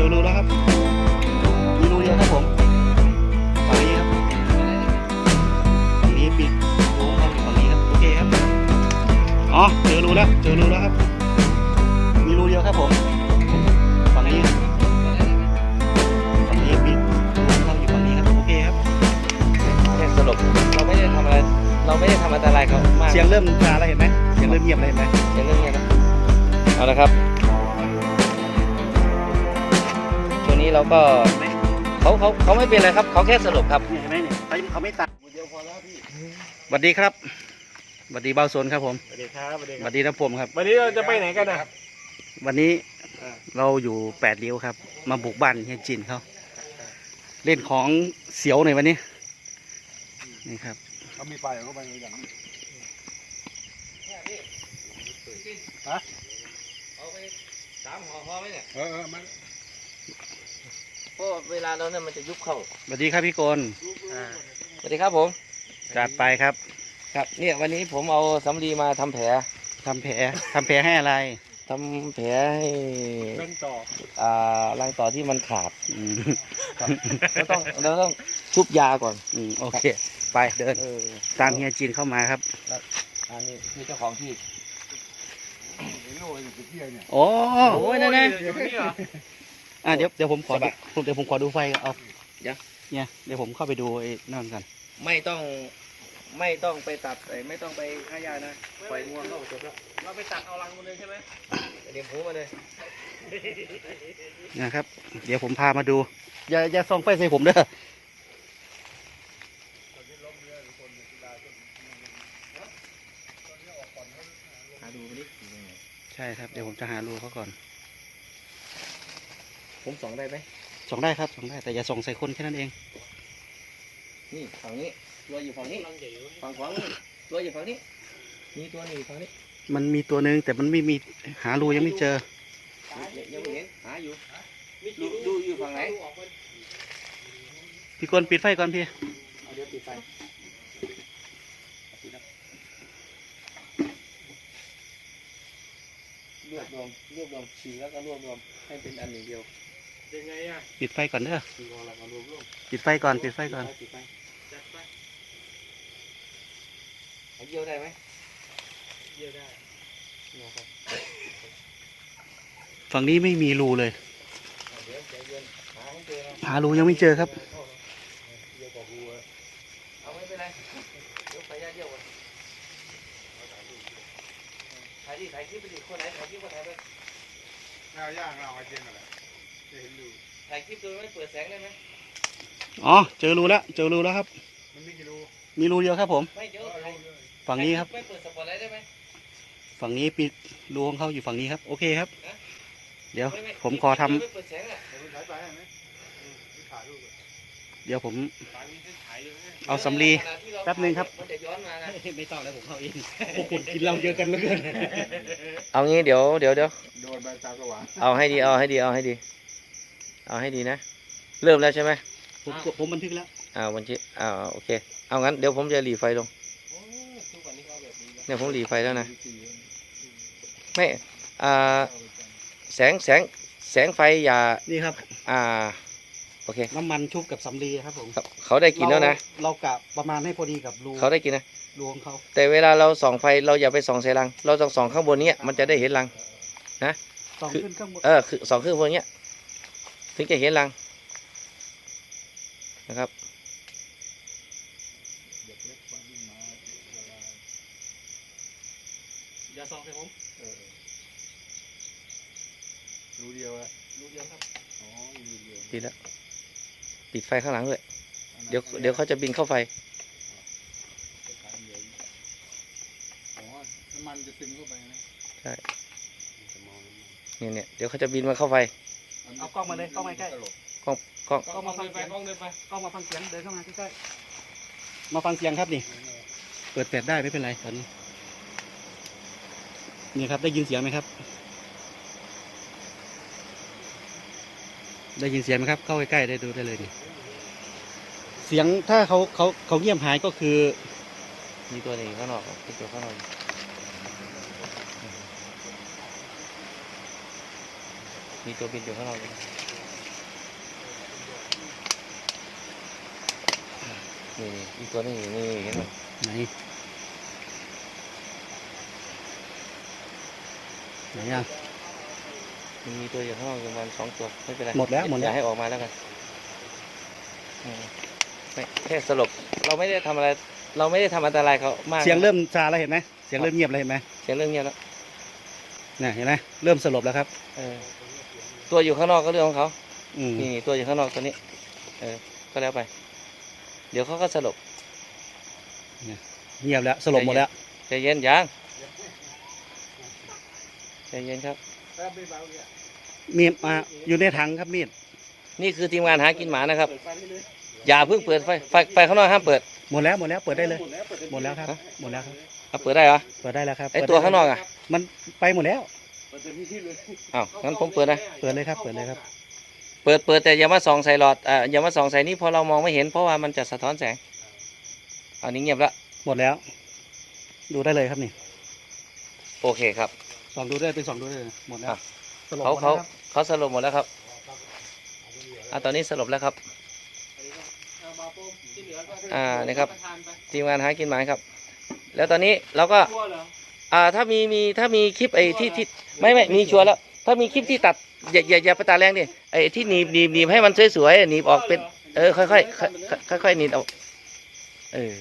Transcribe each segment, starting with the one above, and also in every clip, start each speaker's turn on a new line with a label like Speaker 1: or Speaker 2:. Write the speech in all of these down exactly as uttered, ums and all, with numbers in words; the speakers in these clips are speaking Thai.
Speaker 1: อรูแล้วครับมีรูเดียวครับผมฝั่งนี้ครับฝั่งนี้ปิดรูเข้าอยู่ฝั่งนี้ครับโอเคครับอ๋อเจอรูแล้วเจอรูแล้วครับมีรูเดียวครับผมฝั่งนี้ฝั่งนี้ปิดรูเข้าอยู่ฝั่งนี้ครับโอเคครับ
Speaker 2: แค่สรุปเราไม่ได้ทำอะไรเราไม่ได้ทำอันตรายเขามาก
Speaker 1: เสียงเริ่มซาแล้วเห็นไหมเสียงเริ่มเงียบเลยเห็นไหม
Speaker 2: เสียงเรื่องเงี้ยนะเอาละครับช่วงนี้เราก็เขาเขาเขาไม่เป็นไรครับเขาแค่สรุปครับ
Speaker 1: เห็นไหมเนี่ยเขาไม่ตัดเดียวพอแล้วพี่สวัสดีครับสวัสดีเบาโซนครับผม
Speaker 3: สวัสดีครับสวัสดีค
Speaker 1: ส
Speaker 3: รับ
Speaker 1: วัสดีนะผมครับ
Speaker 3: วันนี้เราจะไปไหนกันนะครับ
Speaker 1: วันนี้เราอยู่แปดริ้วครับมาบุกบ้านเฮียจินเขาเล่นของเสียวในวันนี้นี่ครับ
Speaker 3: เขามีไฟเขาไปอย่างนี้ฮะ
Speaker 2: เอาไปสามห่อพอไหมเนี่ย
Speaker 3: เออเออมัน
Speaker 2: เพราะเวลาเราเนี่ยมันจะยุบเข้า
Speaker 1: สวัสดีครับพี่โกน
Speaker 2: อ่าสวัสดีครับผม
Speaker 1: จัดไปครับ
Speaker 2: ครับเนี่ยวันนี้ผมเอาสำลีมาทำแผล
Speaker 1: ทำแผลทำแผลให้อะไร
Speaker 2: ทำแผลให้
Speaker 3: เล่นต่อ
Speaker 2: อ่ารังต่อที่มันขาด
Speaker 1: อืม
Speaker 2: เราต้องเราต้องชุบยาก่อน
Speaker 1: อืมโอเคไปเดิน
Speaker 2: เออ
Speaker 1: ตามเฮียจินเข้ามาครับ
Speaker 2: อันนี้คือเจ้าของที่
Speaker 3: โน่อยู่ที่เนี่ย
Speaker 1: โอ้
Speaker 2: โอ้ยนั่นไง
Speaker 3: อยู่ที่นี่เหรอ
Speaker 1: อ่ะเดี๋ยวเดี๋ยวผมขอ
Speaker 2: ส
Speaker 1: ดู
Speaker 2: บาย
Speaker 1: เดี๋ยวผมขอดูไฟก่อนเอา
Speaker 2: เดี๋ยว
Speaker 1: เนี่ยเดี๋ยวผมเข้าไปดูไอ้นั่นกัน
Speaker 2: ไม่ต้องไม่ต้องไปตัดไม่ต้องไปฆ่าหญ้านะปล่อยงวงเข้าจบแล้ว
Speaker 3: เราไปตัดเอารังมันเลยใช่ไหม
Speaker 2: เดี๋ยวหูมาเลย
Speaker 1: นะครับ เดี๋ยวผมพามาดู อย่าอย่าส่องไฟใส่ผมเด้อ
Speaker 2: หาดูไปดิ
Speaker 1: ใช่ครับเดี๋ยวผมจะหารูเขาก่อน
Speaker 2: ผมส่องได้ไหม
Speaker 1: ส่องได้ครับส่องได้แต่อย่าส่องใส่คนแค่นั้นเอง
Speaker 2: นี่ฝั่งนี้ตัวอยู่ฝั่งนี้ฝั่งขวานี่ตัวอยู่ฝั่งนี้มีตัวหนึ่งฝั่งนี้
Speaker 1: มันมีตัวหนึ่งแต่มันไม่มีหารูยังไม่เจอ
Speaker 2: ยังไม่เห็นหาอยู่ดูดูอยู่ฝั่งไหน
Speaker 1: พี่กนปิดไฟก่อนพี่
Speaker 2: เอาเดี๋ยวปิดไฟรวบรวมรวบรวมฉีแล้วก็รวบรวมให้เป็นอันหนึ่งเดียว
Speaker 3: ยังไงอ่ะ
Speaker 1: ปิดไฟก่อนเด้อ
Speaker 3: คือเราเอารวมรวม
Speaker 1: ปิดไฟก่อนปิดไฟก่อน
Speaker 2: ปิดไฟ
Speaker 3: จัดไป
Speaker 2: เอาเยี่ยวได้ไหม
Speaker 3: เยี่ยได้
Speaker 2: นะครับ
Speaker 1: ฝั่งนี้ไม่มีรูเลย
Speaker 2: เดี๋ยวใจเย็นหาให้เจอนะ
Speaker 1: หารูยังไม่เจอครับ
Speaker 3: เยี่ยกว่ากูอ่ะ
Speaker 2: เอาไม่เป็นไรเดี๋ยวไปย่าเยี่ยวก่อนถ่ายดิถ่ายคลิปไปดิคนไหนถ่ายคลิปก็ถ่ายไป
Speaker 3: เราย่างเราไอเจนอะไรจะเห็นดู
Speaker 2: ถ่ายคลิปโดยไม่เปิดแสงได้ไหม
Speaker 1: อ๋อเจอรูแล้วเจอรูแล้วครับ
Speaker 3: มันไม่กี่รู
Speaker 1: มีรูเดียวครับผม
Speaker 2: ไม่เดี๋ยวถ่าย
Speaker 1: ฝั่งนี้ครับ
Speaker 2: ไม่เปิดสปอตไลท์ได้ไหม
Speaker 1: ฝั่งนี้ปิดรูของเขาอยู่ฝั่งนี้ครับโอเคครับ
Speaker 2: ฮะ
Speaker 1: เดี๋ยว
Speaker 2: ไม่ไม่
Speaker 1: ผมขอทำ
Speaker 2: ไม่เปิดแสงอ่ะ
Speaker 3: เดี๋ยวคุณถ่ายไปไหมถ่ายรูป
Speaker 1: เดี๋ยวผม
Speaker 3: ถ่ายมีเส้นถ่ายอยู่ไหม
Speaker 1: เอาสำลี
Speaker 2: ขณะที่เรา
Speaker 1: แป๊บนึงครับ
Speaker 2: มันจะย้อนมานะ
Speaker 1: ไม่ต้องแล้วผมเข้าเองพวกคุณกินเหล้าเยอะกันเหลือเกิน
Speaker 2: เอางี้เดี๋ยวเดี๋ยวเดี๋ยว
Speaker 3: โดนใบตาสว่าง
Speaker 2: เอาให้ดีเอาให้ดีเอาให้ดี เอาให้ดีนะ เริ่มแล้วใช่ไหม
Speaker 1: ผมผมบันทึกแล้ว
Speaker 2: อ้าววันที่อ้าวโอเคเอางั้นเดี๋ยวผมจะหลีไฟลงเนี่ยผมหลีไฟแล้วนะไม่อ่าแสงแสงแสงไฟอย่า
Speaker 1: นี่ครับ
Speaker 2: อ่าโอเค
Speaker 1: น้ำมันชุบกับสำลีครับผม
Speaker 2: ครับเขาได้กินแล้วนะ
Speaker 1: เราเรากะประมาณให้พอดีกับรู
Speaker 2: เขาได้กินนะ
Speaker 1: รูของเขา
Speaker 2: แต่เวลาเราส่องไฟเราอย่าไปส่องใส่รัง เราต้องส่องข้างบนเนี้ยมันจะได้เห็นรัง
Speaker 1: ส่องขึ้นข้างบน
Speaker 2: เออคือส่องขึ้นบนเนี้ยถึงจะเห็นรังนะครับ
Speaker 1: อย่าส่องใส่ผม
Speaker 3: รูเดียวอะ
Speaker 1: รูเดียวครับ
Speaker 3: อ๋อรูเดียว
Speaker 2: ปิดแล้วปิดไฟข้างหลังด้วยเดี๋ยวเดี๋ยวเขาจะบินเข้าไฟ
Speaker 3: อ๋อน้ำมันจะซึมเข้าไปนะ
Speaker 2: ใช่เนี่ยเนี่ยเดี๋ยวเขาจะบินมาเข้าไฟ
Speaker 1: เอากล้องมาเลยกล้องมาใกล้
Speaker 2: กล้องกล้อง
Speaker 1: กล้องมาฟังเสียงกล้องเดินไปกล้องมาฟังเสียงเดินเข้ามาใกล้ๆมาฟังเสียงครับนี่เปิดแปดได้ไม่เป็นไรตอนนี้นี่ครับได้ยินเสียงไหมครับ ได้ยินเสียงไหมครับเข้าใกล้ๆได้ดูได้เลยนี่เสียงถ้าเขาเขาเขาเงียบหายก็คือ
Speaker 2: มีตัวหนึ่งข้างนอกมีตัวข้างนอกมีตัวบินอยู่ข้างนอกนี่นี่อีกตัวนึงอยู่นี่เห็นไหม
Speaker 1: ไหนไหนอ่ะ
Speaker 2: มันมีตัวอยู่ข้างนอกประมาณสองตัวไม่เป็นไร
Speaker 1: หมดแล้วหมดแล้ว
Speaker 2: อย่าให้ออกมาแล้วกันอืมไม่แค่สลบเราไม่ได้ทำอะไร เราไม่ได้ทำอันตรายเขามาก
Speaker 1: เสียงเริ่มซาแล้วเห็นไหมเสียงเริ่มเงียบแล้วเห็นไหม
Speaker 2: เสียงเรื่องเงียบแล้ว
Speaker 1: เนี่ยเห็นไหมเริ่มสลบแล้วครับ
Speaker 2: เออตัวอยู่ข้างนอกก็เรื่องของเขา
Speaker 1: อืม
Speaker 2: นี่ตัวอยู่ข้างนอกตัวนี้ เออ ก็แล้วไป เดี๋ยวเขาก็สลบ
Speaker 1: เงียบแล้วสลบหมดแล้ว
Speaker 2: ใจเย็นยังใจเย็นครับ
Speaker 1: มีดมาอยู่ในถังครับมีด
Speaker 2: นี่คือทีมงานหากินหมานะครับ อย่าเพิ่งเปิดไฟ ไฟไฟข้างนอกห้ามเปิด
Speaker 1: หมดแล้วหมดแล้วเปิดได้เลยหมดแล้วครับ
Speaker 2: ฮะ
Speaker 1: หมดแล้วครับ
Speaker 2: เอาเปิดได้เหรอ
Speaker 1: เปิดได้แล้วครับ
Speaker 2: ไอตัวข้างนอกอ่ะ
Speaker 1: มันไปหมดแล้ว
Speaker 2: อ้าวงั้นผมเปิดนะ
Speaker 1: เปิดเลยครับเปิดเลยครับ
Speaker 2: เปิดเปิดแต่อย่ามาส่องใส่หลอด อ่าอย่ามาส่องใส่นี่เพราะเรามองไม่เห็นเพราะว่ามันจะสะท้อนแสงอันนี้เงียบละ
Speaker 1: หมดแล้ว ดูได้เลยครับนี่
Speaker 2: โอเคครับ
Speaker 1: ส่องดูได้เป็นส่องดูได้เลยหมดแล้ว
Speaker 2: อ่ะ
Speaker 1: สลบ
Speaker 2: เขา
Speaker 1: หมดแล้ว
Speaker 2: เขา
Speaker 1: ครับ
Speaker 2: เขาสลบหมดแล้วครับอ่าตอนนี้สลบแล้วครับ อ่านี่ครับ ทีมงานหากินหมาครับ แล้วตอนนี้เราก็ อ่าถ้ามีมีถ้ามีคลิปไอ้ที่ที่ไม่ไม่มีชัวร์แล้ว ถ้ามีคลิปที่ตัดอย่าอย่าอย่าไปตัดแรงดิไอ้ที่หนีบหนีบหนีบให้มันสวยๆหนีบออกเป็นเออค่อยๆค่อยๆค่อยๆหนีบออกเออ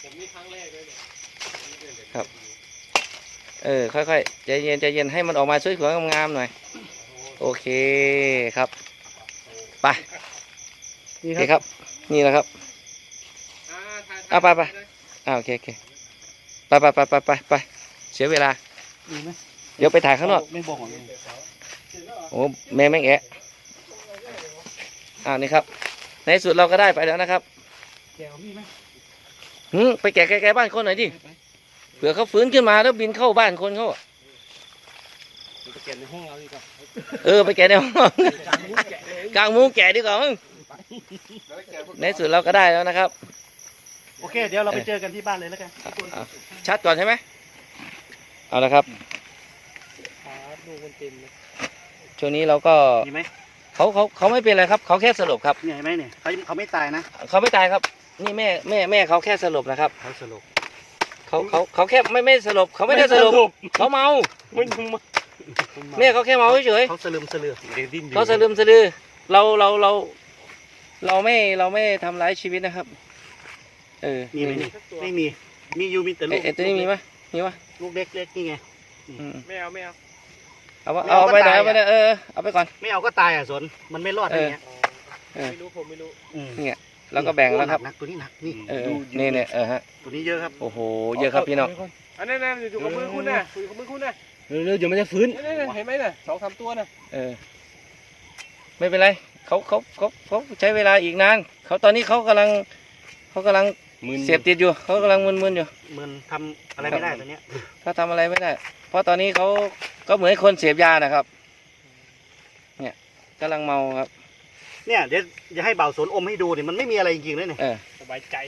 Speaker 2: ครับเออค่อยๆใจเย็นใจเย็นให้มันออกมาสวยๆงามๆหน่อยโอเคครับไป
Speaker 1: นี่
Speaker 2: โอเคครับนี่แหละครับอ่ะไปไปอ่าโอเคโอเคไปไปไปไปไปไปเสียเวลา
Speaker 1: มีไหม
Speaker 2: เดี๋ยวไปถ่ายข้างนอก
Speaker 1: ไม่บอกของเลย
Speaker 2: โอ้แม่แม่งแอะอ่านี่ครับ ในสุดเราก็ได้ไปแล้วนะครับ
Speaker 1: แกวมีไหม
Speaker 2: หืมไปแกะแกะบ้านคนหน่อยดิเผื่อเขาฟื้นขึ้นมาแล้วบินเข้าบ้านคนเขาอะ
Speaker 3: ไปเก็บในห้องเราดีกว่า
Speaker 2: เออไปแกะในห้องกลางมุ้งแกะดีกว่ามึงในสุดเราก็ได้แล้วนะครับ
Speaker 1: โอเคเดี๋ยวเราไปเจอกันที่บ้านเลยแล้วกัน
Speaker 2: เอาชัดก่อนใช่ไหมเอาละครับ
Speaker 3: ดูมันเต็มเลย
Speaker 2: ช่วงนี้เราก็
Speaker 1: มีไหม
Speaker 2: เขาเขาเขาไม่เป็นไรครับเขาแค่สลบครับ
Speaker 1: เนี่ยเห็นไหมเนี่ยเขาเขาไม่ตายนะ
Speaker 2: เขาไม่ตายครับ นี่แม่แม่แม่เขาแค่สลบนะครับ
Speaker 1: เขาสลบ
Speaker 2: เขาเขาเขาแค่ไม่ไม่สลบเขาไม่ได้สลบเขาเมา
Speaker 3: มันยังมา
Speaker 2: แม่เขาแค่เมาเฉย
Speaker 1: เขาสลืมสลือ
Speaker 3: เดี๋ยวดิ้น
Speaker 2: ๆเขาสะลืมสะลือเราเราเราเราไม่เราไม่ทำร้ายชีวิตนะครับ เออ
Speaker 1: มีไหมนี่ไม่มีมีอยู่มีแต่ลู
Speaker 2: เอ้ย
Speaker 1: ก
Speaker 2: เอ้ยตัวนี้มีไหมมีปะ
Speaker 1: ลูกเล็กเล็กนี่ไง
Speaker 2: อืม
Speaker 3: ไม่เอาไม่เอา
Speaker 2: เอาวะ
Speaker 1: ไม่
Speaker 2: เอา
Speaker 1: เอา
Speaker 2: ไป
Speaker 1: ก็
Speaker 2: ไหน
Speaker 1: ตาย
Speaker 2: เอาไปไหน
Speaker 1: อะ
Speaker 2: เออเอาไปก่อน
Speaker 1: ไม่เอาก็ตายอ่ะสนมันไม่รอดอะไรเงี้ย
Speaker 2: เออ
Speaker 3: ไม่รู้ผมไม่รู้
Speaker 1: อืม
Speaker 2: แล้วก็แบ่งแล้วครับ
Speaker 1: หนักตัวนี้หนักนี่
Speaker 2: เออเออนี่เนี่ยเออฮะ
Speaker 1: ตัวนี้เยอะครับ
Speaker 2: โอ้โหเยอะครับพี่น้อง
Speaker 3: อันนั้นนะอยู่กับมือคุณนะอยู่กับมือคุณนะ
Speaker 1: เร็วๆเดี๋ยวมันจะฟื้น
Speaker 3: นั่นเห็นไหมน่ะสองสามตัวน่ะ
Speaker 2: เออไม่เป็นไรเขาเขาเขาเขาใช้เวลาอีกนานเขาตอนนี้เขากำลังเขากำลังเสพติดอยู่เขากำลังมึนๆอยู่
Speaker 1: มันทำอะไรไม่ได้ตัวเนี้ย
Speaker 2: เขาทำอะไรไม่ได้ เพราะตอนนี้เขาก็เหมือนคนเสพยานะครับ เนี่ยกำลังเมาครับ
Speaker 1: เนี่ยเดี๋ยวจะให้เบาสนอมให้ดูเนี่ยมันไม่มีอะไรจริงๆเลยเนี่ย
Speaker 2: เออ
Speaker 3: สบายใจ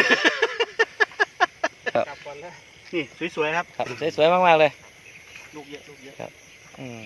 Speaker 2: ครับ
Speaker 3: กลับก่อนแล้ว
Speaker 1: นี่สวยๆครับ
Speaker 2: ครับสวยๆมากๆเลย
Speaker 1: ลูกเยอะลูกเยอะ
Speaker 2: อืม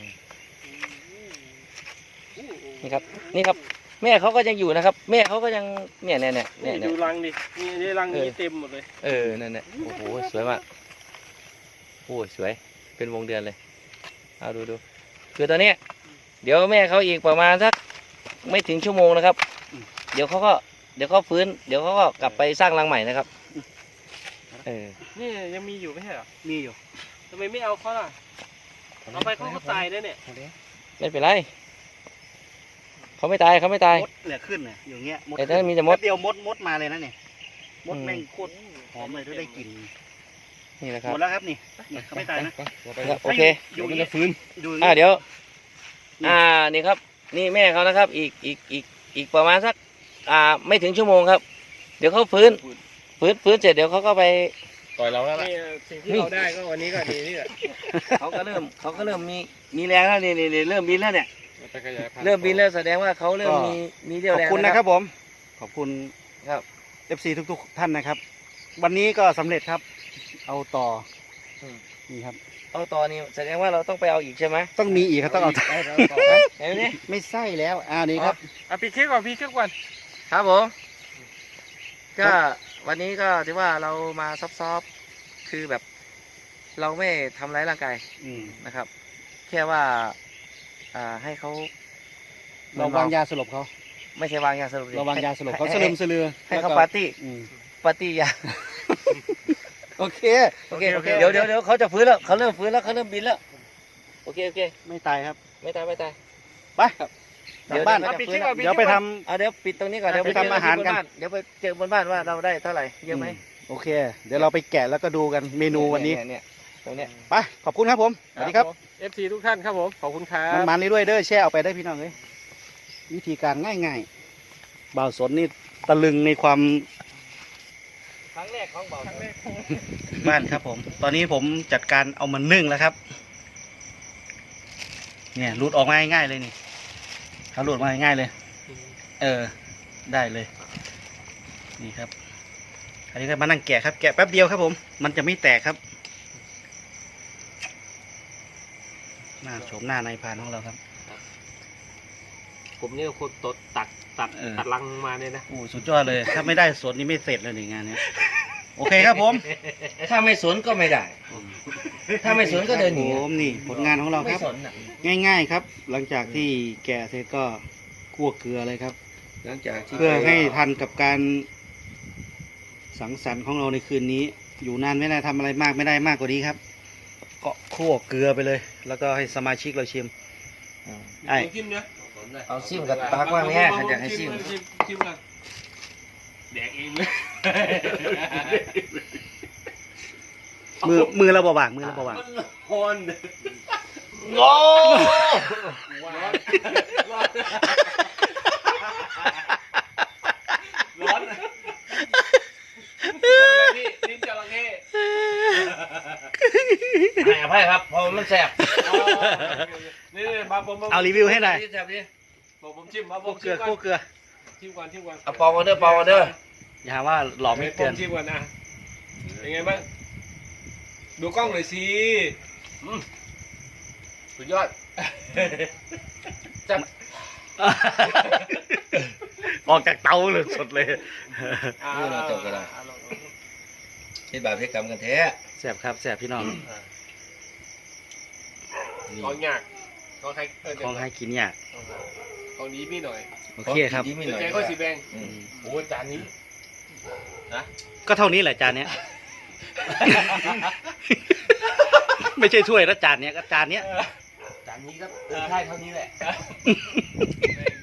Speaker 2: นี่ครับ นี่ครับ แม่เขาก็ยังอยู่นะครับ แม่เขาก็ยังเนี่ยเนี่ยเนี่ยเนี่ยเนี่ย
Speaker 3: ดูรังดินี่นี่รังนี้เต็มหมดเลย
Speaker 2: เออนั่นแหละโอ้โหสวยมากโอ้ยสวยเป็นวงเดือนเลยเอาดูดูคือตอนเนี้ยเดี๋ยวแม่เขาอีกประมาณสักไม่ถึงชั่วโมงนะครับ เดี๋ยวเขาก็เดี๋ยวเขาฟื้น เดี๋ยวเขาก็กลับไปสร้างรังใหม่นะครับเออ
Speaker 3: นี่ยังมีอยู่ไม่ใช่เหรอ
Speaker 1: มีอยู่
Speaker 3: ทำไมไม่เอาเขาล่ะเอาไปเขาก็ตายได้เนี่ย
Speaker 2: ไม่เป็นไรเขาไม่ตายเขาไม่ตาย
Speaker 1: มดเนี่ยขึ้นเนี่ยอยู่เงี้ยมด
Speaker 2: แต่ถ้ามีแต่มด
Speaker 1: แป๊บเดียวมดมดมาเลยนะเนี่ยมด
Speaker 2: อืม
Speaker 1: แม่งโคตรหอมเลยถ้าได้กลิ่น
Speaker 2: นี่แหละค
Speaker 1: ห
Speaker 2: รับ
Speaker 1: มดแล้วครับนี่นี่เขาไม่ตายนะ
Speaker 2: ครับโอเค
Speaker 1: อยู่อย่างเงี้ยอยู่อย่าง
Speaker 2: อ่า
Speaker 1: เงี้ย
Speaker 2: เดี๋ยว อ่านี่ครับ นี่แม่เขานะครับ อีกอีกอีกอีกประมาณสักอ่าไม่ถึงชั่วโมงครับ เดี๋ยวเขาฟื้นฟื้นฟื้นเสร็จเดี๋ยวเขาก็ไป
Speaker 3: ต่อยเราแล้วนี่สิ่งที่เราได้ก็วันนี้ก็ดีนี่แหละ
Speaker 2: เขาก็เริ่มเขาก็เริ่มมีมีแรงแล้วนี่นี่นี่เริ่มบินแล้วเนี่ย
Speaker 3: ไปขยายพันธุ์
Speaker 2: เริ่มบินแล้วแสดงว่าเขาเริ่มมีมีเรี่ยว
Speaker 1: ขอ
Speaker 2: แร
Speaker 1: บ
Speaker 2: ง
Speaker 1: คุณ
Speaker 2: แล้ว
Speaker 1: นะครับผม ขอบคุณ
Speaker 2: ครับ
Speaker 1: เอฟซีทุกๆท่านนะครับ วันนี้ก็สำเร็จครับ เอาต่ออ
Speaker 2: ม
Speaker 1: นี่ครับ
Speaker 2: เอาต่อนี่แสดงว่าเราต้องไปเอาอีกใช่ไหม
Speaker 1: ต้องมีอีกครับต้องเอา
Speaker 2: เาต่อไหมเห็นไหมนี่
Speaker 1: ไม่ใช่แล้วอ่านี่ครับ
Speaker 3: อ่ะพี่เค้กก่อนพี่เค้กก่อน
Speaker 2: ครับผมก็วันนี้ก็ถือว่าเรามาซอฟต์ๆคือแบบเราไม่ทำร้ายร่างกาย
Speaker 1: อืม
Speaker 2: นะครับ แค่ว่าอ่าให้เขา
Speaker 1: เราวางยาสลบเขา
Speaker 2: ไม่ใช่วางยาสลบสิ
Speaker 1: เราวางยาสลบเขา
Speaker 2: ให้
Speaker 1: สลืมสลือ
Speaker 2: ให้เขา
Speaker 1: แล้วก็
Speaker 2: ปาร์ตี้
Speaker 1: อืม
Speaker 2: ปาร์ตี้ยา
Speaker 1: โอเค
Speaker 2: โอเคโอเคเดี๋ยวเดี๋ยวเดี๋ยวเขาจะฟื้นแล้วเขาเริ่มฟื้นแล้วเขาเริ่มบินแล้วโอเคโอเค
Speaker 1: ไม่ตายครับ
Speaker 2: ไม่ตายไม่ตาย
Speaker 1: ไปกลับบ้าน
Speaker 2: เดี๋ยว
Speaker 1: ครับ
Speaker 2: เดี๋ยว
Speaker 1: เดี๋ยวไปทำ
Speaker 2: เอาเดี๋ยวปิดตรงนี้ก่อนเดี๋ยว
Speaker 1: ไปทำอาหารกัน
Speaker 2: เดี๋ยวไปเจอบนบ้านว่าเราได้เท่าไหร่เยอะไหม
Speaker 1: โอเค เดี๋ยวเราไปแกะแล้วก็ดูกันเมนูวันนี้
Speaker 2: เยเนี่ยตรงเนี้ย
Speaker 1: ไป ขอบคุณครับผม สวัสดีครับ
Speaker 3: เอฟซีทุกท่านครับผมขอบคุณครั
Speaker 1: มัน
Speaker 3: บ
Speaker 1: มันนี่ด้วยเด้อแช่เอาไปได้พี่น้องเลยวิธีการง่ายๆบ่าวสนนี่ตะลึงในความ
Speaker 2: ครั้งแรกของเบา
Speaker 1: บ้านครับผม ตอนนี้ผมจัดการเอามันนึ่งแล้วครับ เนี่ยรูดออกมาง่ายๆเลยนี่เขารูดมาง่ายๆเลย เออ ได้เลย นี่ครับ อันนี้ก็มานั่งแกะครับ แกะแป๊บเดียวครับผม มันจะไม่แตกครับ หน้าโฉมหน้านายพรานของเราครับ
Speaker 3: ผมเนี่ยคนตดตัดตัด
Speaker 1: เออ
Speaker 3: ตัดลังมาเนี่ยนะ
Speaker 1: โอ้สุดยอดเลย ถ้าไม่ได้สดนี่ไม่เสร็จเลยในงานเนี้ย โอเคครับผม
Speaker 2: ถ้าไม่สนก็ไม่ได้ ถ้าไม่สนก็เดินหนี
Speaker 1: ผมนี่ผลงานของเราค
Speaker 2: ไม่
Speaker 1: รับ
Speaker 2: สนอ่ะ
Speaker 1: ง่ายๆครับ หลังจากที่แกะเสร็จก็คั่วเกลือเลยครับ
Speaker 2: หลังจากที่
Speaker 1: เพื่อให้ทันกับการสังสรรค์ของเราในคืนนี้ อยู่นานไม่ได้ทำอะไรมากไม่ได้มากกว่านี้ครับ ก็คั่วเกลือไปเลย แล้วก็ให้สมาชิกเราชิมไอ้
Speaker 3: ชิมเนี่ย
Speaker 2: เอาซิมกับปากว่างแง่ขันอยากให้ซิม
Speaker 3: ชิมกันแดกเองเลย
Speaker 1: มือมือเราเบาบางมือเราเบาบาง
Speaker 3: ฮอน
Speaker 2: โง่
Speaker 3: ร้อนร้อนร้อนพี่ลิ้นจระเข้
Speaker 2: ให้อภัยครับเพราะมันแสบ
Speaker 3: นี่มาผม
Speaker 1: เอารีวิวให้หน่อย
Speaker 2: แสบดิ
Speaker 3: ผมผมชิมมาผ
Speaker 1: คั่ว
Speaker 3: ม
Speaker 1: เกลื
Speaker 3: ชิ
Speaker 1: อ
Speaker 3: มก่อ
Speaker 1: คั่วน เกลือ
Speaker 3: ชิมก่อนชิมก่อน
Speaker 2: เอาปองกันเด้อปองกันเด้อ
Speaker 1: อย่าหาว่าหลอกไม่เตือน
Speaker 3: ผมชิมก่อนนะเป็นไงบ้างดูกล้องหน่อยสิอืมสุดยอดจับ
Speaker 1: ออกจากเตาเลยสดเลย
Speaker 2: นี่เราจบกันแล้วเฮ็ดบาปเฮ็ดกรรมกันแท้
Speaker 1: แสบครับแสบพี่น้อง
Speaker 3: ของยากของใครเออ
Speaker 1: ของให้กินยาก
Speaker 3: ของนี้พี่หน่อย
Speaker 1: โอเคครับ
Speaker 2: ดีไม่หน่อย
Speaker 3: แกงข้าวสีแดง
Speaker 2: อืม
Speaker 3: โอ้จานนี้
Speaker 1: ก็เท่านี้แหละจานเนี้ย ไม่ใช่ถ้วยแล้วจานเนี้ยก็จานเนี้ย
Speaker 2: จานนี้ก็เออใช่เท่านี้แหละ